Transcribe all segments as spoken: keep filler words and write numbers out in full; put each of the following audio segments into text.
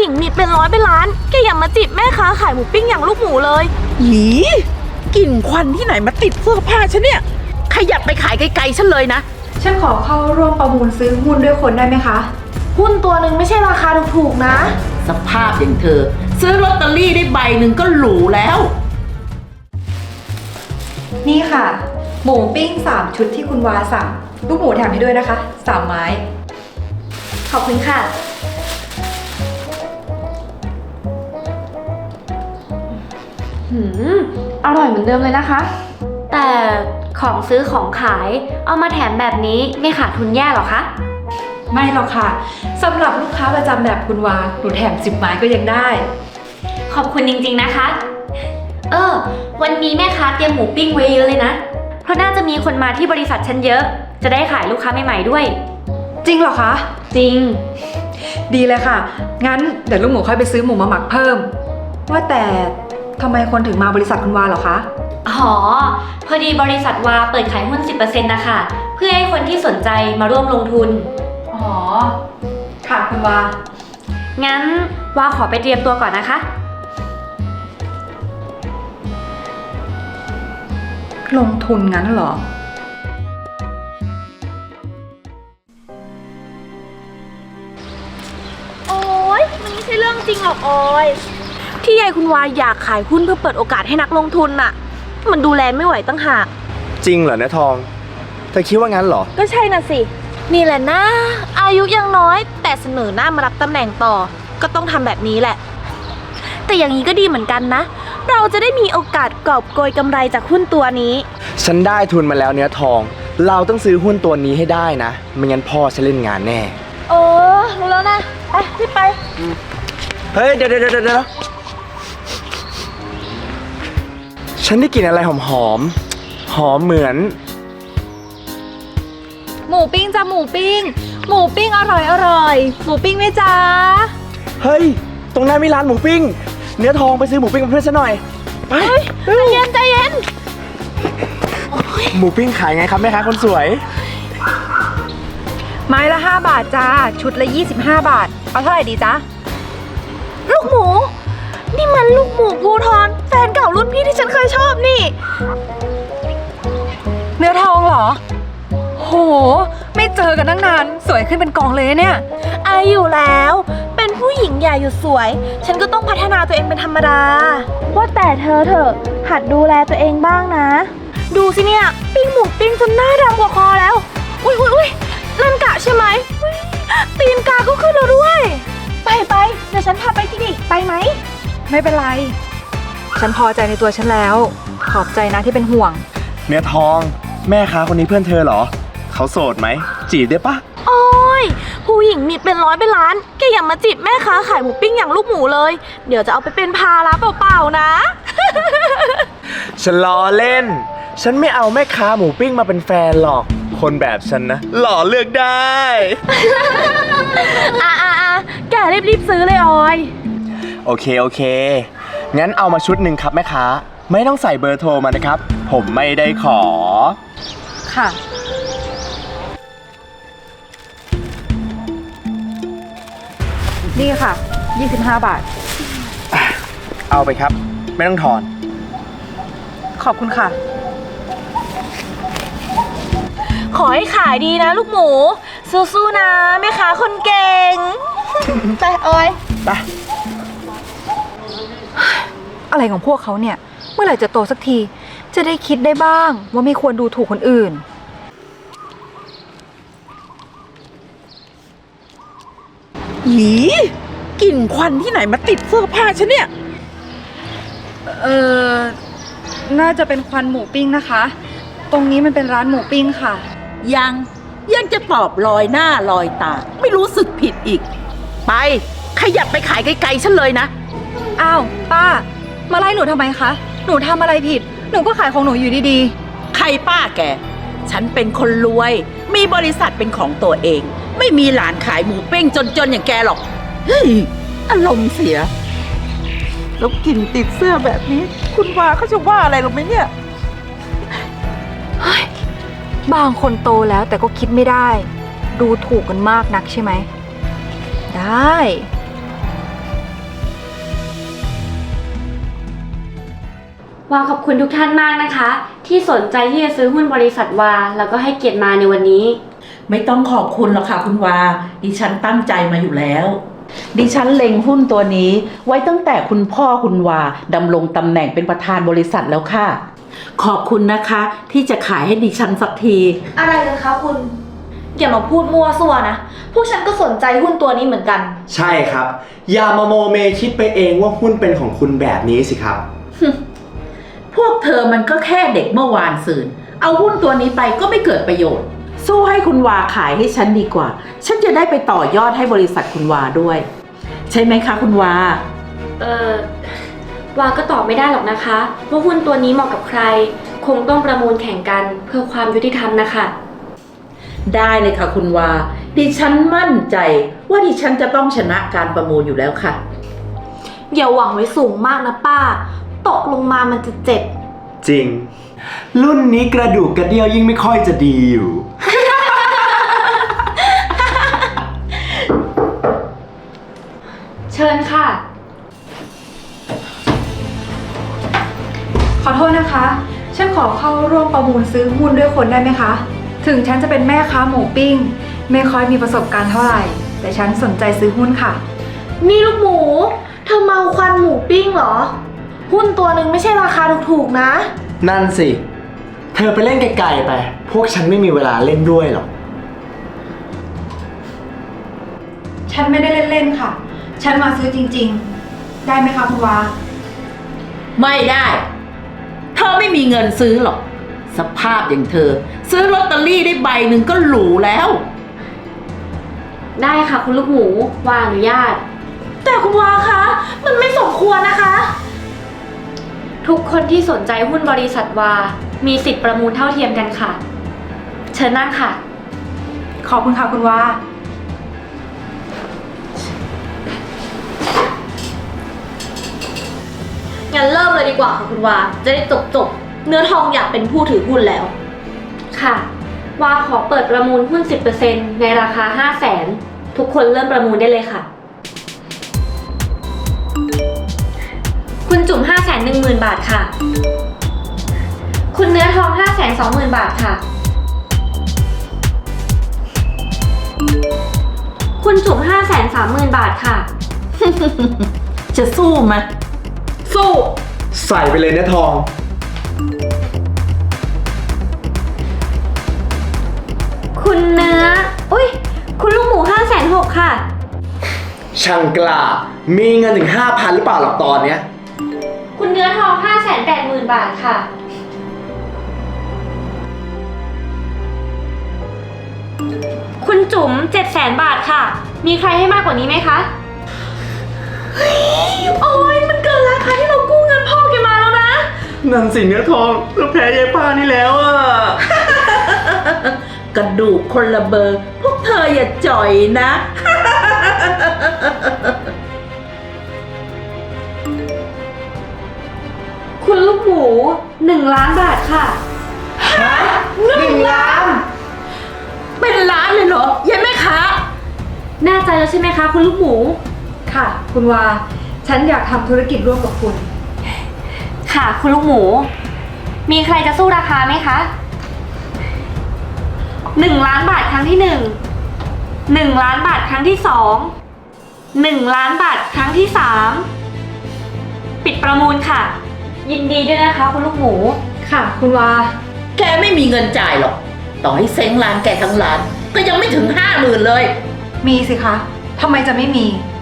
ญิงมีเป็นร้อยเป็นล้านแกอย่ามาจีบแม่ค้าขายหมูปิ้งอย่างลูกหมูเลยหยีกลิ่นควันที่ไหนมาติดเสื้อผ้าฉันเนี่ยขยับไปขายไกลๆฉันเลยนะฉันขอเข้าร่วมประมูลซื้อหุ้นด้วยคนได้ไหมคะหุ้นตัวหนึ่งไม่ใช่ราคาถูกๆนะสภาพอย่างเธอซื้อลอตเตอรี่ได้ใบหนึ่งก็หรูแล้วนี่ค่ะหมูปิ้งสามชุดที่คุณวาสั่งลูกหมูแถมให้ด้วยนะคะสามไม้ขอบคุณค่ะหืมอร่อยเหมือนเดิมเลยนะคะแต่ของซื้อของขายเอามาแถมแบบนี้ไม่ขาดทุนแย่หรอคะไม่หรอกค่ะสำหรับลูกค้าประจำแบบคุณวาหนูแถมสิบไม้ก็ยังได้ขอบคุณจริงๆนะคะเออวันนี้แม่ค้าเตรียมหมูปิ้งไว้เยอะเลยนะเพราะน่าจะมีคนมาที่บริษัทฉันเยอะจะได้ขายลูกค้าใหม่ๆด้วยจริงเหรอคะจริงดีเลยค่ะงั้นเดี๋ยวลูกหมูค่อยไปซื้อหมูมาหมักเพิ่มว่าแต่ทำไมคนถึงมาบริษัทคุณวาเหรอคะอ๋อพอดีบริษัทวาเปิดขายหุ้น สิบเปอร์เซ็นต์ นะคะเพื่อให้คนที่สนใจมาร่วมลงทุนอ๋อค่ะคุณวางั้นวาขอไปเตรียมตัวก่อนนะคะลงทุนงั้นเหรอโอ๊ยมันไม่ใช่เรื่องจริงหรอกออยที่ยายคุณวาอยากขายหุ้นเพื่อเปิดโอกาสให้นักลงทุนน่ะมันดูแลไม่ไหวตั้งหากจริงเหรอเนื้อทองเธอคิดว่างั้นเหรอก็ใช่น่ะสินี่แหละนะอายุยังน้อยแต่เสนอหน้ามารับตำแหน่งต่อก็ต้องทำแบบนี้แหละแต่อย่างนี้ก็ดีเหมือนกันนะเราจะได้มีโอกาสกอบโกยกำไรจากหุ้นตัวนี้ฉันได้ทุนมาแล้วเนื้อทองเราต้องซื้อหุ้นตัวนี้ให้ได้นะไม่งั้นพ่อฉันเล่นงานแน่เออรู้แล้วนะไปรีบไปเฮ้ยเดี๋ยวเดี๋ยวเดี๋ยวฉันได้กลิ่นอะไรหอมหอมหอมเหมือนหมูปิ้งจ้ะหมูปิ้งหมูปิ้งอร่อยอร่อยหมูปิ้งไหมจ๊ะเฮ้ยตรงนั้นมีร้านหมูปิ้งเนื้อทองไปซื้อหมูปิ้งกับเพื่อนฉันหน่อยไปใจเย็นใจเย็นหมูปิ้งขายไงครับแม่ค้าคนสวยไม้ละห้าบาทจ้าชุดละยี่สิบห้าบาทเอาเท่าไหร่ดีจ๊ะลูกหมูนี่มันลูกหมูภูทรแฟนเก่ารุ่นพี่ที่ฉันเคยชอบนี่เนื้อทองเหรอโหไม่เจอกันตั้งนานสวยขึ้นเป็นกองเลยเนี่ยอายุแล้วเป็นผู้หญิงใหญ่อยู่สวยฉันก็ต้องพัฒนาตัวเองเป็นธรรมดาว่าแต่เธอเถอะหัดดูแลตัวเองบ้างนะดูสิเนี่ยปิ้งหมูปิ้งจนหน้าดำกว่าคอแล้วอุ้ยอุ้ยอุ้ยนั่นกะใช่ไหมตีนกาก็ขึ้นแล้วด้วยไปไปเดี๋ยวฉันพาไปที่นี่ไปไหมไม่เป็นไรฉันพอใจในตัวฉันแล้วขอบใจนะที่เป็นห่วงเนื้อทองแม่ค้าคนนี้เพื่อนเธอเหรอเขาโสดไหมจีบได้ปะโอ้ยผู้หญิงมีเป็นร้อยเป็นล้านแกอย่ามาจีบแม่ค้าขายหมูปิ้งอย่างลูกหมูเลยเดี๋ยวจะเอาไปเป็นภาระเปล่าๆนะฉันล้อเล่นฉันไม่เอาแม่ค้าหมูปิ้งมาเป็นแฟนหรอกคนแบบฉันนะหล่อเลือกได้อ่ะอ่ะอ่ะแกรีบๆซื้อเลยออยโอเคโอเคงั้นเอามาชุดหนึ่งครับแม่ค้าไม่ต้องใส่เบอร์โทรมานะครับผมไม่ได้ขอค่ะนี่ค่ะยี่สิบห้าบาทเอาไปครับไม่ต้องทอนขอบคุณค่ะขอให้ขายดีนะลูกหมูสู้ๆนะแม่ค้าคนเก่งไปออยไปอะไรของพวกเขาเนี่ยเมื่อไหร่จะโตสักทีจะได้คิดได้บ้างว่าไม่ควรดูถูกคนอื่นหยีกลิ่นควันที่ไหนมาติดเสื้อผ้าฉันเนี่ยเออน่าจะเป็นควันหมูปิ้งนะคะตรงนี้มันเป็นร้านหมูปิ้งค่ะยังยังจะตอบลอยหน้าลอยตาไม่รู้สึกผิดอีกไปขยับไปขายไกลๆฉันเลยนะอ้าวป้ามาไล่หนูทำไมคะหนูทำอะไรผิดหนูก็ขายของหนูอยู่ดีๆใครป้าแกฉันเป็นคนรวยมีบริษัทเป็นของตัวเองไม่มีหลานขายหมูปิ้งจนๆอย่างแกหรอกเฮ้ยอารมณ์เสียแล้วกลิ่นติดเสื้อแบบนี้คุณวาเขาจะว่าอะไรหรอไหมเนี่ยบางคนโตแล้วแต่ก็คิดไม่ได้ดูถูกกันมากนักใช่ไหมได้วาขอบคุณทุกท่านมากนะคะ ที่สนใจที่จะซื้อหุ้นบริษัทวาแล้วก็ให้เกียรติมาในวันนี้ไม่ต้องขอบคุณหรอกค่ะคุณวา ดิฉันตั้งใจมาอยู่แล้ว ดิฉันเล็งหุ้นตัวนี้ไว้ตั้งแต่คุณพ่อคุณวาดำรงตำแหน่งเป็นประธานบริษัทแล้วค่ะ ขอบคุณนะคะที่จะขายให้ดิฉันสักทีอะไรกันคะคุณ อย่ามาพูดมั่วซั่วนะ พวกฉันก็สนใจหุ้นตัวนี้เหมือนกันใช่ครับ อย่ามาโมเมคิดไปเองว่าหุ้นเป็นของคุณแบบนี้สิครับพวกเธอมันก็แค่เด็กเมื่อวานซืน เอาหุ้นตัวนี้ไปก็ไม่เกิดประโยชน์ สู้ให้คุณวาขายให้ฉันดีกว่า ฉันจะได้ไปต่อยอดให้บริษัทคุณวาด้วย ใช่ไหมคะคุณวาเออวาก็ตอบไม่ได้หรอกนะคะว่าหุ้นตัวนี้เหมาะกับใคร คงต้องประมูลแข่งกันเพื่อความยุติธรรมนะคะได้เลยค่ะคุณวา ดิฉันมั่นใจว่าดิฉันจะต้องชนะการประมูลอยู่แล้วค่ะอย่าหวังไว้สูงมากนะป้า ตกลงมามันจะเจ็บจริง รุ่นนี้กระดูกกระเดี่ยวยิ่งไม่ค่อยจะดีอยู่เชิญค่ะขอโทษนะคะ ฉันขอเข้าร่วมประมูลซื้อหุ้นด้วยคนได้ไหมคะ ถึงฉันจะเป็นแม่ค้าหมูปิ้ง ไม่ค่อยมีประสบการณ์เท่าไหร่ แต่ฉันสนใจซื้อหุ้นค่ะนี่ลูกหมู เธอเมาควันหมูปิ้งเหรอ หุ้นตัวหนึ่งไม่ใช่ราคาถูกๆนะนั่นสิ เธอไปเล่นไกลๆไป พวกฉันไม่มีเวลาเล่นด้วยหรอกฉันไม่ได้เล่นๆค่ะ ฉันมาซื้อจริงๆ ได้ไหมคะคุณวาไม่ได้ เธอไม่มีเงินซื้อหรอก สภาพอย่างเธอ ซื้อลอตเตอรี่ได้ใบหนึ่งก็หรูแล้วได้ค่ะคุณลูกหมูวาอนุญาตแต่คุณวาคะ มันไม่สมควรนะคะทุกคนที่สนใจหุ้นบริษัทวา มีสิทธิ์ประมูลเท่าเทียมกันค่ะ เชิญนั่งค่ะขอบคุณค่ะคุณวางั้นเริ่มเลยดีกว่าค่ะคุณวา จะได้จบจบๆเนื้อทองอยากเป็นผู้ถือหุ้นแล้วค่ะ วาขอเปิดประมูลหุ้น สิบเปอร์เซ็นต์ ในราคา ห้าแสน ทุกคนเริ่มประมูลได้เลยค่ะ คุณจุ่ม ห้าแสนหนึ่งหมื่น บาทค่ะ คุณเนื้อทอง ห้าแสนสองหมื่น บาทค่ะ คุณจุ่ม ห้าแสนสามหมื่น บาทค่ะจะสู้ไหมสู้ใส่ไปเลยนะทองคุณเนื้อ อุ้ย คุณลูกหมู ห้าแสนหกค่ะช่างกล้า มีเงินถึงห้าพันหรือเปล่าหรอกตอนเนี้ยคุณเนื้อทอง ห้าแสนแปดหมื่น บาทค่ะ คุณจุ๋ม เจ็ดแสน บาทค่ะ มีใครให้มากกว่านี้ไหมคะโอ้ยมันเกินราคาที่เรากู้เงินพ่อแกมาแล้วนะนั่นสิเนื้อทองเราแพ้ยายป้านี่แล้วอ่ะกระดูกคนละเบอร์ พวกเธออย่าจ่อยนะคุณลูกหมู หนึ่ง ล้านบาทค่ะหนึ่งล้าน เป็นล้านเลยเหรอยายแม่ค้าแน่ใจแล้วใช่ไหมคะ คุณลูกหมูค่ะ คุณวา ฉันอยากทำธุรกิจร่วมกับคุณค่ะ คุณลูกหมู มีใครจะสู้ราคาไหมคะ หนึ่ง ล้านบาทครั้งที่หนึ่ง หนึ่ง ล้านบาทครั้งที่สอง หนึ่ง ล้านบาทครั้งที่สาม ปิดประมูลค่ะ ยินดีด้วยนะคะ คุณลูกหมูค่ะ คุณวาแกไม่มีเงินจ่ายหรอก ต่อให้เซ้งร้านแกทั้งร้าน ก็ยังไม่ถึงห้าหมื่นเลยมีสิคะ ทำไมจะไม่มี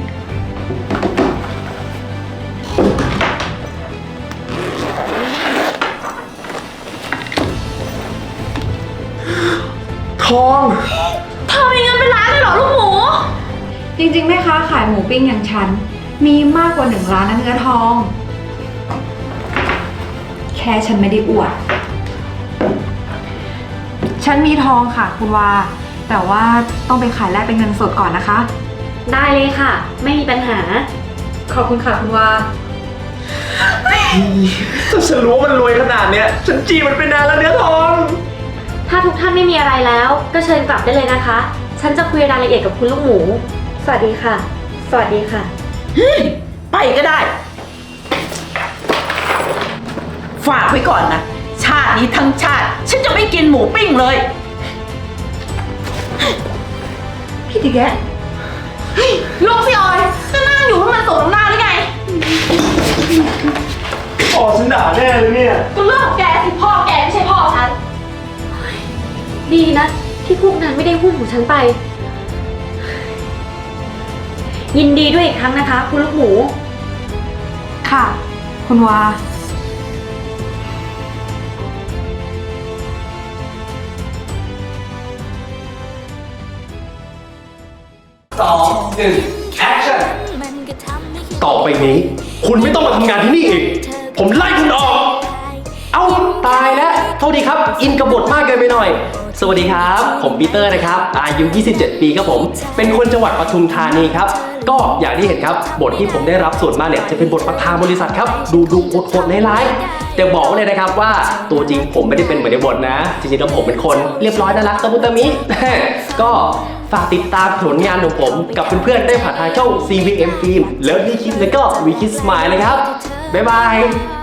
ทองเธอมีเงินเป็นล้านเลยเหรอลูกหมูจริงๆแม่ค้าขายหมูปิ้งอย่างฉัน มีมากกว่าหนึ่งล้านนะเนื้อทอง แค่ฉันไม่ได้อวด ฉันมีทองค่ะ คุณวา แต่ว่าต้องไปขายแลกเป็นเงินสดก่อนนะคะได้เลยค่ะ ไม่มีปัญหาขอบคุณค่ะคุณวาถ้าฉันรู้ว่ามันรวยขนาดเนี้ย ฉันจีบมันไปนานแล้วเนื้อทองถ้าทุกท่านไม่มีอะไรแล้ว ก็เชิญกลับได้เลยนะคะ ฉันจะคุยรายละเอียดกับคุณลูกหมู สวัสดีค่ะ สวัสดีค่ะไปก็ได้ฝากไว้ก่อนนะ ชาตินี้ทั้งชาติ ฉันจะไม่กินหมูปิ้งเลยพี่ติแกะเฮ้ยลูกสิออยจะนั่งอยู่ให้มันสมน้ำหน้าหรือไงอ๋อฉันด่าแน่เลยเนี่ยก็เรื่องของแกสิพ่อแกไม่ใช่พ่อฉันดีนะ ที่พวกนั้นไม่ได้หุ้นของฉันไป ยินดีด้วยอีกครั้งนะคะ คุณลูกหมูค่ะ คุณวาสองหนึ่งแอคชั่นต่อไปนี้ คุณไม่ต้องมาทำงานที่นี่อีก ผมไล่คุณออก เอ้า ตายแล้วโทษทีครับ อินกับบทมากเกินไปหน่อย สวัสดีครับ ผมปีเตอร์นะครับ อายุ ยี่สิบเจ็ด ปีครับผม เป็นคนจังหวัดปทุมธานีครับ ก็อย่างที่เห็นครับ บทที่ผมได้รับส่วนมากเนี่ยจะเป็นบทประธานบริษัทครับ ดูดูโคตรๆร้ายๆแต่บอกไว้เลยนะครับว่าตัวจริงผมไม่ได้เป็นเหมือนในบทนะ จริงๆแล้วผมเป็นคนเรียบร้อยน่ารักตะมุตะมิ ก็ฝากติดตามผลงานของผมกับเพื่อนๆได้ผ่านทางช่อง ซี วี เอ็ม Film แล้วดีคิดแล้วก็วีคิดสมายเลยครับ บ๊ายบาย